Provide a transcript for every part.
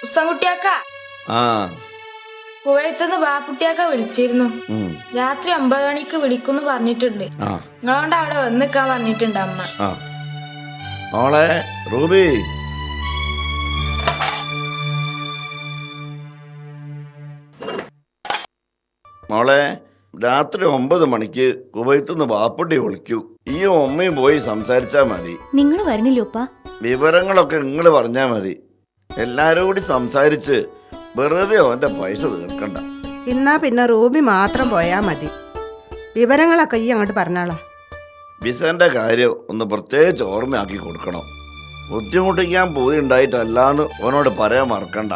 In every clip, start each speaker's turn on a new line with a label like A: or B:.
A: ഉസ്സൻകുട്ടിയാക്ക
B: ആ
A: കുവൈത്തുനിന്ന് ബാപ്പുട്ടിയാക്ക വിളിച്ചിരുന്നു.
B: ഉം.
A: രാത്രി 9 മണിക്ക് വിളിക്കുന്നു പറഞ്ഞിട്ടുണ്ട്.
B: ആ
A: നിങ്ങളോണ്ട് അവിടെ വന്നിക്കാൻ പറഞ്ഞിട്ടുണ്ട് അമ്മ.
B: ആ മോളെ റൂബി, മോളെ രാത്രി 9 മണിക്ക് കുവൈത്തുനിന്ന് ബാപ്പുട്ടി വിളിക്കൂ. ഈ ഉമ്മയും പോയി സംസാരിച്ചാ മതി.
C: നിങ്ങൾ വരണില്ലോപ്പാ?
B: വിവരങ്ങളൊക്കെ നിങ്ങൾ പറഞ്ഞാ മതി. എല്ലാരും കൂടി സംസാരിച്ച് വെറുതെ അവന്റെ പൈസ തീർക്കണ്ട.
D: എന്നാ പിന്നെ റൂബി മാത്രം പോയാ മതി. വിവരങ്ങളൊക്കെ ഈ അങ്ങോട്ട് പറഞ്ഞാളാ.
B: വിസന്റെ കാര്യം ഒന്ന് പ്രത്യേകിച്ച് ഓർമ്മയാക്കി കൊടുക്കണം. ബുദ്ധിമുട്ടിക്കാൻ പോയി ഉണ്ടായിട്ടല്ലാന്ന് അവനോട് പറയാൻ മറക്കണ്ട.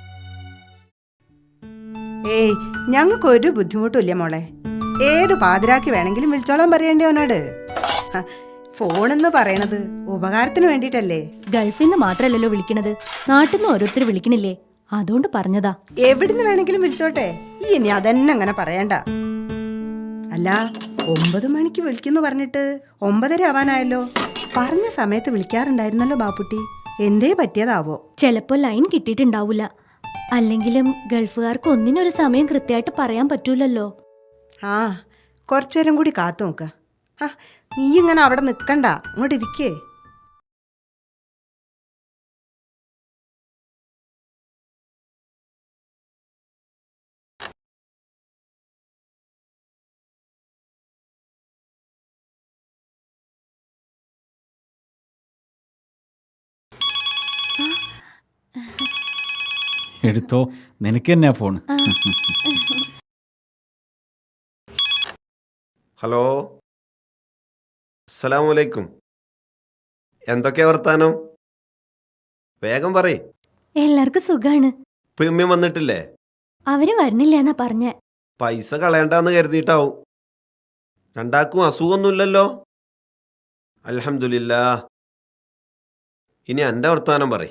D: ഏയ് ഞങ്ങൾക്ക് ഒരു ബുദ്ധിമുട്ടില്ല മോളെ. ഏത് പാതിരാക്കി വേണമെങ്കിലും വിളിച്ചോളാൻ പറയണ്ടേ അവനോട്. ഫോണെന്ന് പറയണത് ഉപകാരത്തിന് വേണ്ടിട്ടല്ലേ.
C: ഗൾഫിൽ നിന്ന് മാത്രല്ലല്ലോ വിളിക്കണത്, നാട്ടിൽ നിന്ന് ഓരോരുത്തർ വിളിക്കണില്ലേ, അതുകൊണ്ട് പറഞ്ഞതാ.
D: എവിടുന്ന് വേണമെങ്കിലും വിളിച്ചോട്ടെ, ഈ ഇനി അതന്നെ അങ്ങനെ പറയണ്ട. അല്ല 9 മണിക്ക് വിളിക്കുന്നു പറഞ്ഞിട്ട് 9:30 ആവാനായല്ലോ. പറഞ്ഞ സമയത്ത് വിളിക്കാറുണ്ടായിരുന്നല്ലോ ബാപ്പുട്ടി. എന്തേ പറ്റിയതാവോ?
C: ചിലപ്പോ ലൈൻ കിട്ടിയിട്ടുണ്ടാവൂല. അല്ലെങ്കിലും ഗൾഫുകാർക്ക് ഒന്നിനൊരു സമയം കൃത്യമായിട്ട് പറയാൻ പറ്റൂലല്ലോ.
D: ആ കുറച്ചേരം കൂടി കാത്തു നോക്ക. ആ നീ ഇങ്ങനെ അവിടെ നിക്കണ്ട, ഇങ്ങോട്ട് ഇരിക്കേ.
E: എടുത്തോ, നിനക്ക് തന്നെയാ ഫോൺ.
F: ഹലോ, അസ്സലാമലൈക്കും. എന്തൊക്കെയാ വർത്താനം? വേഗം പറയ്.
C: എല്ലാവർക്കും സുഖാണ്.
F: ഉമ്മയും വന്നിട്ടില്ലേ?
C: അവര് വരണില്ല എന്നാ പറഞ്ഞ.
F: പൈസ കളയണ്ടെന്ന് കരുതിയിട്ടാവും. രണ്ടാക്കും അസുഖമൊന്നുമില്ലല്ലോ? അൽഹംദുലില്ലാ. ഇനി എൻ്റെ വർത്താനം പറയ്.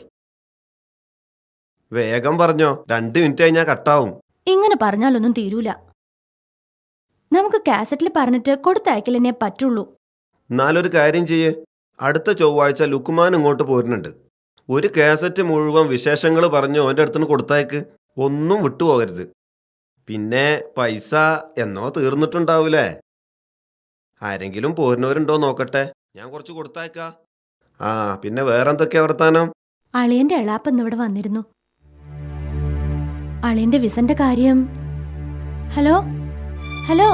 F: വേഗം പറഞ്ഞോ, 2 മിനിറ്റ് കഴിഞ്ഞാൽ കട്ടാവും.
C: ഇങ്ങനെ പറഞ്ഞാലൊന്നും തീരൂല. നമുക്ക് കാസറ്റിൽ പറഞ്ഞിട്ട് കൊടുത്തയക്കലെന്നെ പറ്റുള്ളൂ.
F: എന്നാലൊരു കാര്യം ചെയ്യേ, അടുത്ത ചൊവ്വാഴ്ച ലുക്കുമാൻ ഇങ്ങോട്ട് പോരുന്നുണ്ട്. ഒരു കാസറ്റ് മുഴുവൻ വിശേഷങ്ങൾ പറഞ്ഞ് ഓൻ്റെ അടുത്തുനിന്ന് കൊടുത്തയക്ക്. ഒന്നും വിട്ടുപോകരുത്. പിന്നെ പൈസ എന്നോ തീർന്നിട്ടുണ്ടാവൂലേ? ആരെങ്കിലും പോരുന്നവരുണ്ടോ നോക്കട്ടെ, ഞാൻ കുറച്ച് കൊടുത്തയക്കാം. ആ പിന്നെ വേറെന്തൊക്കെയാ വർത്താനം?
C: അളിയന്റെ എളാപ്പ ഇവിടെ വന്നിരുന്നു. അളിയന്റെ വിസന്റെ കാര്യം. Hello hello.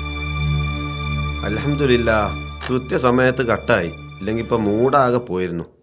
F: അൽഹംദുലില്ലാ, കൃത്യസമയത്ത് കട്ടായി. ഇല്ലെങ്കിൽ ഇപ്പം മൂടാകെ പോയിരുന്നു.